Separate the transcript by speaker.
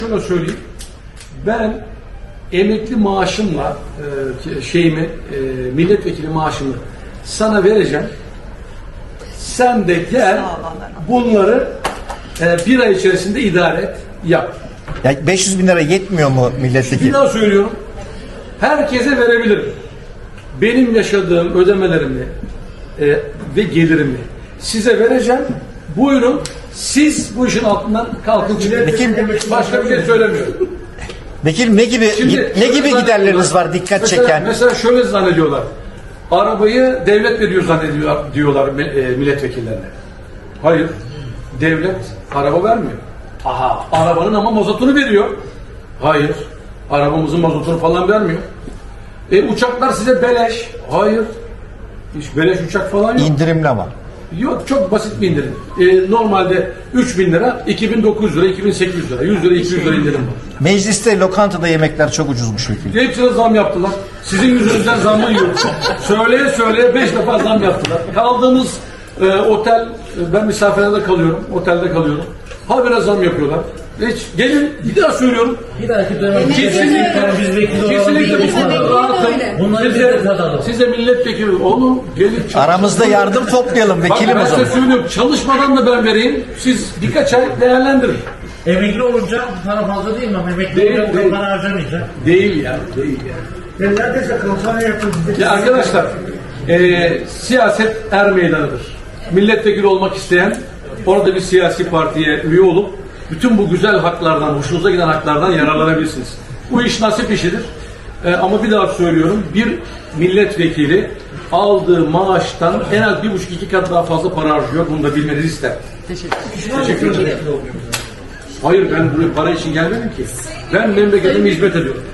Speaker 1: Şunu söyleyeyim. Ben emekli maaşımla milletvekili maaşımı sana vereceğim. Sen de gel bunları bir ay içerisinde idare et, yap.
Speaker 2: Ya 500 bin lira yetmiyor mu
Speaker 1: Bir
Speaker 2: milletvekili?
Speaker 1: daha söylüyorum. Herkese verebilirim. Benim yaşadığım ödemelerimi ve gelirimi size vereceğim. Buyurun. Siz bu işin altından kalkın çıkın. Başka bir şey söylemiyorum.
Speaker 2: Vekilim ne gibi giderleriniz var dikkat çeken?
Speaker 1: Mesela şöyle zannediyorlar. Arabayı devlet veriyor diyorlar milletvekillerine. Hayır. Devlet araba vermiyor. Aha. Arabanın ama mazotunu veriyor. Hayır. Arabamızın mazotunu falan vermiyor. Uçaklar size beleş. Hayır. Hiç beleş uçak falan yok.
Speaker 2: İndirimli ama.
Speaker 1: Yok, çok basit bir indirim. Normalde 3.000 lira, 2.900 lira, 2.800 lira, 100 lira, 200 lira indirim var.
Speaker 2: Mecliste, lokantada yemekler çok ucuzmuş vekilim.
Speaker 1: Hepsine zam yaptılar. Sizin yüzünüzden zammı yiyoruz. Söyleye 5 defa zam yaptılar. Kaldığımız otel, ben misafirhanede kalıyorum, otelde kalıyorum. Habire zam yapıyorlar. Hiç gelin, bir daha söylüyorum.
Speaker 3: Bir dahaki dönem
Speaker 1: Kesinlikle bu konuda rahatım. Size milletvekili olun, gelin çalışın.
Speaker 2: Aramızda yardım toplayalım vekilim
Speaker 1: ben
Speaker 2: o zaman.
Speaker 1: size söylüyorum, çalışmadan da ben vereyim. Siz birkaç ay değerlendirin.
Speaker 3: Emekli olunca para fazla değil mi? Emekli
Speaker 1: Değil,
Speaker 3: olunca
Speaker 1: değil.
Speaker 3: para harcamayacak.
Speaker 1: Değil ya, değil ya.
Speaker 3: Ben neredeyse kampanya yaptım.
Speaker 1: Ya arkadaşlar, siyaset er meydanıdır. Milletvekili olmak isteyen, orada bir siyasi partiye üye olup, bütün bu güzel haklardan, hoşunuza giden haklardan yararlanabilirsiniz. Bu iş nasip işidir. Ama bir daha söylüyorum, bir milletvekili aldığı maaştan en az 1,5-2 kat daha fazla para harcıyor. Bunu da bilmenizi ister. Teşekkür ederim. Hayır, ben buraya para için gelmedim ki. Ben memleketime hizmet ediyorum.